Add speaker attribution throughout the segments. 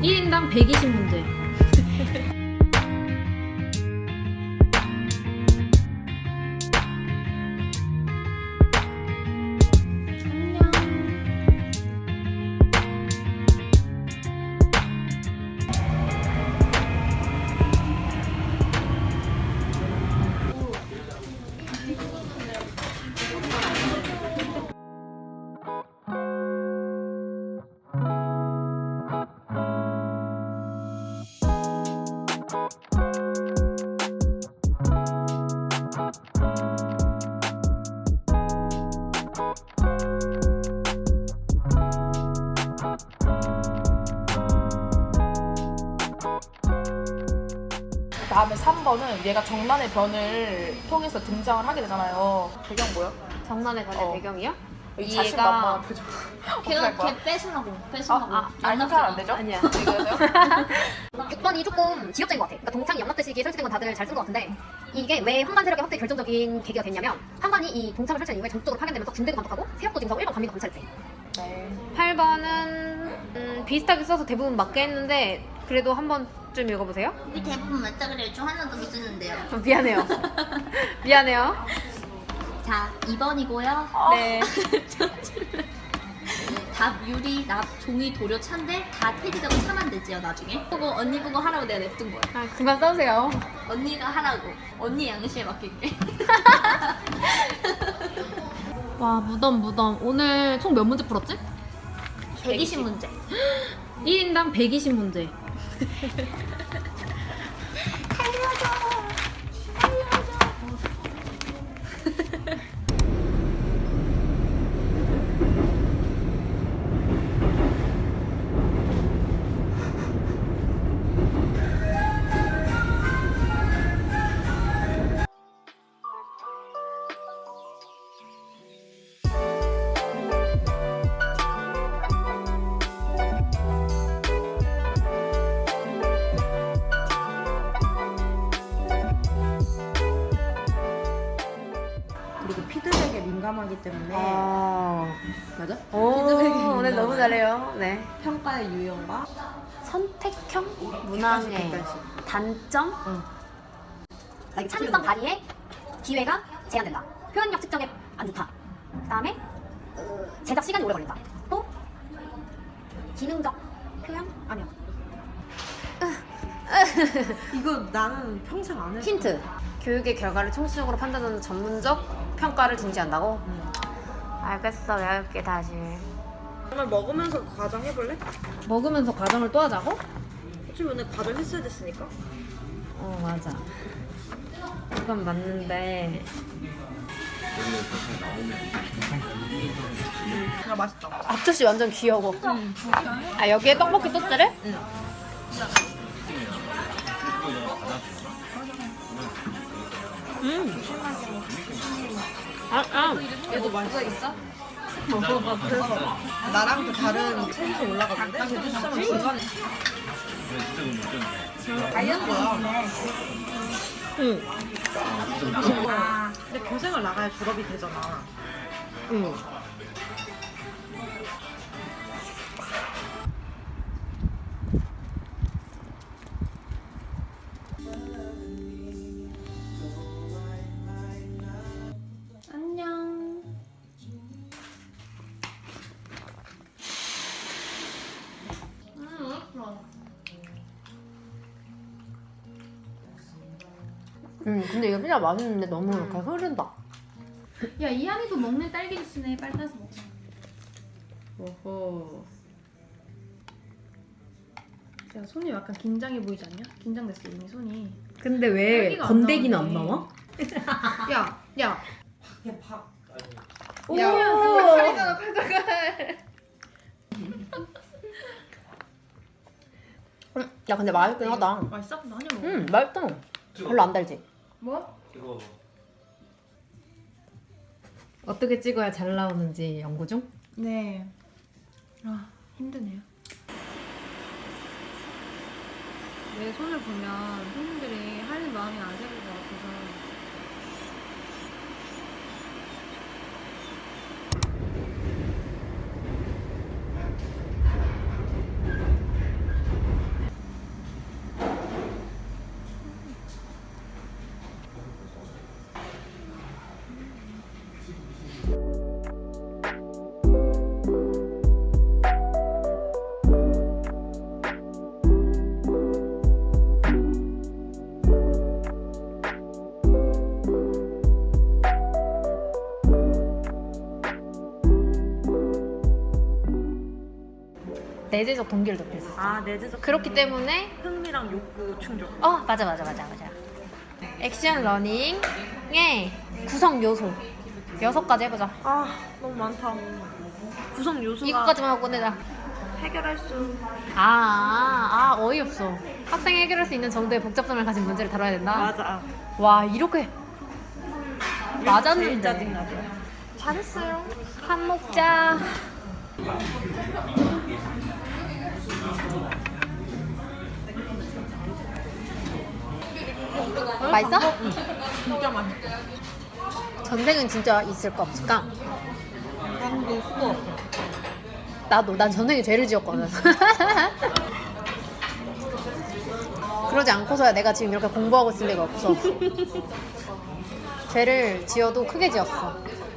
Speaker 1: 1인당 120문제.
Speaker 2: 다음에 3번은 얘가 정난의 변을 통해서 등장을 하게 되잖아요. 배경 뭐야?
Speaker 1: 정난의 변의 배경이요?
Speaker 2: 이
Speaker 1: 얘가-
Speaker 2: 자신만만한 표정.
Speaker 3: 걔가 걔 뺏으려고.
Speaker 2: 아니 잘안 되죠?
Speaker 1: 아니야.
Speaker 2: 이거요?
Speaker 4: 6번이 조금 지역적인 것 같아. 그러니까 동창이 영락대식이 설치된 건 다들 잘 쓴 것 같은데 이게 왜 황관 세력의 확대 결정적인 계기가 됐냐면 황관이 이 동창을 설치한 이후에 전국적으로 파견되면서 군대도 감독하고 세력도 징수하고 일본 관민도 감찰했대.
Speaker 2: 네.
Speaker 1: 8번은 비슷하게 써서 대부분 맞게 했는데 그래도 한 번쯤 읽어보세요.
Speaker 3: 우리 대부분 맞다 그래요. 저 하나 더 있었는데요.
Speaker 1: 미안해요. 미안해요.
Speaker 3: 자, 2번이고요.
Speaker 1: 네.
Speaker 3: 답 유리, 납 종이, 도료, 찬데 다 폐기되고 차만 되지요 나중에. 그거 언니 그거 하라고 내가 냅둔 거야.
Speaker 1: 아, 그만 써주세요.
Speaker 3: 언니가 하라고. 언니 양심에 맡길게.
Speaker 1: 와, 무덤. 오늘 총 몇 문제 풀었지?
Speaker 3: 120문제.
Speaker 1: 1인당 120문제.
Speaker 5: 그리고 피드백에 민감하기 때문에 맞아?
Speaker 1: 오늘 너무 잘해요. 네.
Speaker 5: 평가의 유형과
Speaker 1: 선택형 문항의
Speaker 5: 객관식.
Speaker 1: 단점?
Speaker 4: 창의성 발휘의 기회가 제한된다. 표현력 측정에 안 좋다. 그다음에 제작 시간이 오래 걸린다. 또 기능적 표현 아니야.
Speaker 5: 이거 나는 평생 안 해.
Speaker 1: 힌트. 교육의 결과를 총체적으로 판단하는 전문적 평가를 중시한다고? 알겠어. 외울게 다시.
Speaker 5: 정말 먹으면서 과정 해볼래?
Speaker 1: 먹으면서 과정을 또 하자고?
Speaker 5: 어차피 오늘 과정 했어야 됐으니까.
Speaker 1: 맞아. 그건 맞는데
Speaker 5: 야 맛있다.
Speaker 1: 앞접시 완전 귀여워. 아, 여기에 떡볶이 소스를?
Speaker 5: 얘도 맛있어. 그래서 나랑 그 다른 체에서 올라갔는데 제주 시장은 중간에 다이어트 거야.
Speaker 1: 응.
Speaker 5: 근데 교생을 나가야 졸업이 되잖아.
Speaker 1: 응.
Speaker 3: 안녕.
Speaker 1: 근데 이거 진짜 맛있는데 너무 이렇게 흐른다.
Speaker 6: 야, 이한이도 먹는 딸기 주스네. 빨리 따서 먹자.
Speaker 1: 오호.
Speaker 6: 야, 손이 약간 긴장해 보이지 않냐? 긴장됐어, 이미 손이.
Speaker 1: 근데 왜
Speaker 6: 딸기가 안
Speaker 1: 건더기는 안
Speaker 6: 나오네.
Speaker 1: 나와?
Speaker 6: 야, 야.
Speaker 1: 오!
Speaker 6: 칼이잖아, 칼.
Speaker 1: 야, 근데 맛있긴 하다.
Speaker 6: 맛있어? 나 한입 먹어.
Speaker 1: 맛있다. 별로 안 달지?
Speaker 6: 뭐?
Speaker 1: 어떻게 찍어야 잘 나오는지 연구 중?
Speaker 6: 네. 아, 힘드네요. 내 손을 보면 손님들이 할 마음이 안 생길 것 같아서.
Speaker 1: 내재적 동기를 높였어.
Speaker 5: 아, 내재적
Speaker 1: 그렇기 때문에
Speaker 5: 흥미랑 욕구 충족.
Speaker 1: 맞아. 액션 러닝의 구성 요소 6가지 해보자.
Speaker 5: 아, 너무 많다. 구성 요소가
Speaker 1: 이거까지만 하고 끝내자.
Speaker 5: 해결할 수.
Speaker 1: 어이없어. 학생이 해결할 수 있는 정도의 복잡성을 가진 문제를 다뤄야 된다.
Speaker 5: 맞아.
Speaker 1: 와, 이렇게
Speaker 5: 제일
Speaker 1: 맞았는데.
Speaker 5: 짜증나죠.
Speaker 1: 잘했어요. 밥 먹자. 맛있어?
Speaker 5: 진짜 맛있어.
Speaker 1: 전생은 진짜 있을까 없을까?
Speaker 5: 난도 수고.
Speaker 1: 난 전생에 죄를 지었거든. 그러지 않고서야 내가 지금 이렇게 공부하고 있을 리가 없어. 죄를 지어도 크게 지었어.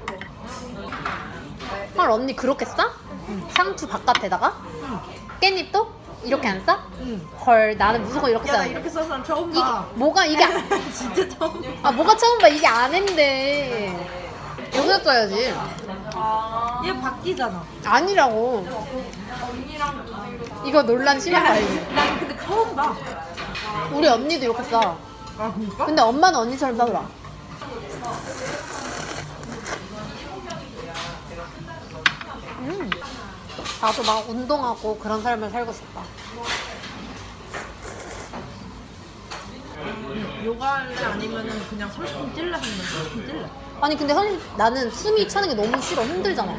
Speaker 1: 헐, 언니 그렇게 싸? 상추 바깥에다가? 깻잎도? 이렇게 안 싸? 헐, 나는 무조건 이렇게
Speaker 5: 야, 나
Speaker 1: 싸는데.
Speaker 5: 이렇게 써서 사람 처음
Speaker 1: 이게
Speaker 5: 봐.
Speaker 1: 뭐가 이게
Speaker 5: 진짜 처음 봐.
Speaker 1: 뭐가 처음 봐. 이게 안 했는데. 여기다 써야지.
Speaker 5: 얘 바뀌잖아.
Speaker 1: 아니라고. 이거 논란 심한 거 알지?
Speaker 5: 난 근데 처음 봐.
Speaker 1: 우리 언니도 이렇게 싸.
Speaker 5: 아, 그니까?
Speaker 1: 근데 엄마는 언니처럼 싸더라. 나도 막 운동하고 그런 삶을 살고 싶다.
Speaker 5: 요가할래 아니면은 그냥 30분 뛸래 하면 30분 뛸래.
Speaker 1: 아니 근데 사실 나는 숨이 차는 게 너무 싫어. 힘들잖아.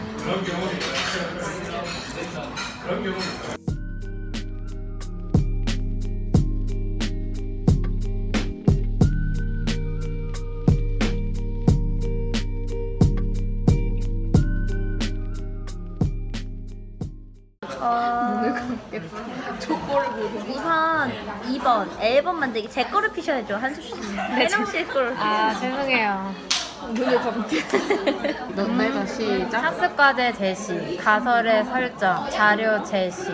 Speaker 3: 우선 2번 앨범 만들기 제 거를 피셔야죠 한수 씨. 혜령 씨의 거를.
Speaker 1: 죄송해요. 너네가 시작. 학습과제 제시, 가설의 설정, 자료 제시,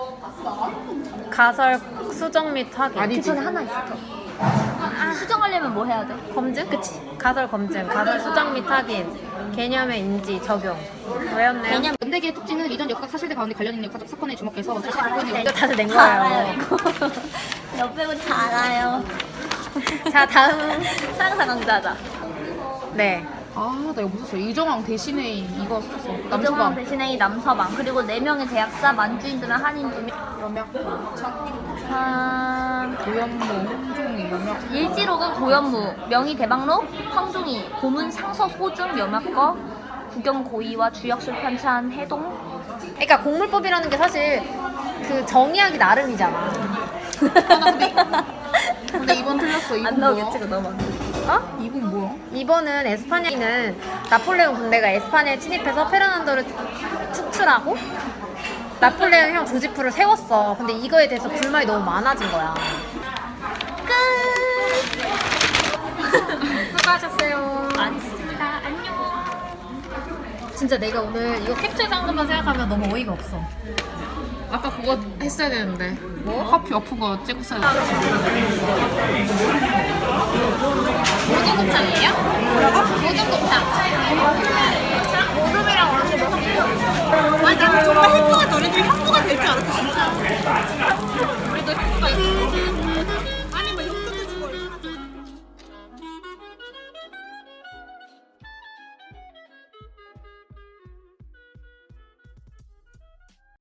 Speaker 1: 가설 수정 및 확인.
Speaker 3: 그 전에 하나 있어. 수정하려면 뭐 해야 돼?
Speaker 1: 검증? 그치. 가설 검증, 가설 수정 및 확인, 개념의 인지, 적용. 외웠네요.
Speaker 3: 개념.
Speaker 4: 연대기의 특징은 이전 역학 사실들 가운데 관련 있는 역사적 사건에 주목해서 자신의 부분을
Speaker 1: 이거 다들 낸
Speaker 3: 다 알아요.
Speaker 1: 거예요.
Speaker 3: 이거. 옆배우 다 알아요.
Speaker 1: 자, 다음.
Speaker 3: 상사 강자자.
Speaker 1: 네.
Speaker 2: 나 이거 못 썼어. 이정왕 대신에 이거 썼어.
Speaker 3: 이정왕
Speaker 2: 남서방.
Speaker 3: 대신에 이 남서방 그리고 4명의 대학사 만주인들은 한인 2명.
Speaker 2: 고현무, 홍종이, 염약.
Speaker 3: 일지록은 고현무, 명의 대방록, 황종이, 고문 상서 소중 염약거, 구경 고의와 주역술 편찬 해동.
Speaker 1: 그러니까 공물법이라는 게 사실 그 정의하기 나름이잖아.
Speaker 2: 근데 이번 틀렸어. 이번
Speaker 3: 안
Speaker 2: 뭐야?
Speaker 3: 나오겠지 그 너만.
Speaker 2: 이분 뭐야?
Speaker 1: 이번은 에스파냐는 나폴레옹 군대가 에스파냐에 침입해서 페르난도를 축출하고 나폴레옹 형 조지프를 세웠어. 근데 이거에 대해서 불만이 너무 많아진 거야. 수고하셨어요.
Speaker 3: 알겠습니다. 안녕.
Speaker 1: 진짜 내가 오늘 이거 캡처해서 한 것만 생각하면 너무 어이가 없어.
Speaker 2: 아까 그거 했어야 되는데. 뭐? 커피 엎은 거 찍었어야 돼.
Speaker 1: 모든곱창이에요? 뭐라고? 모든곱창. 모둠이랑 언니 먹었어. 아니, 나 정말 했던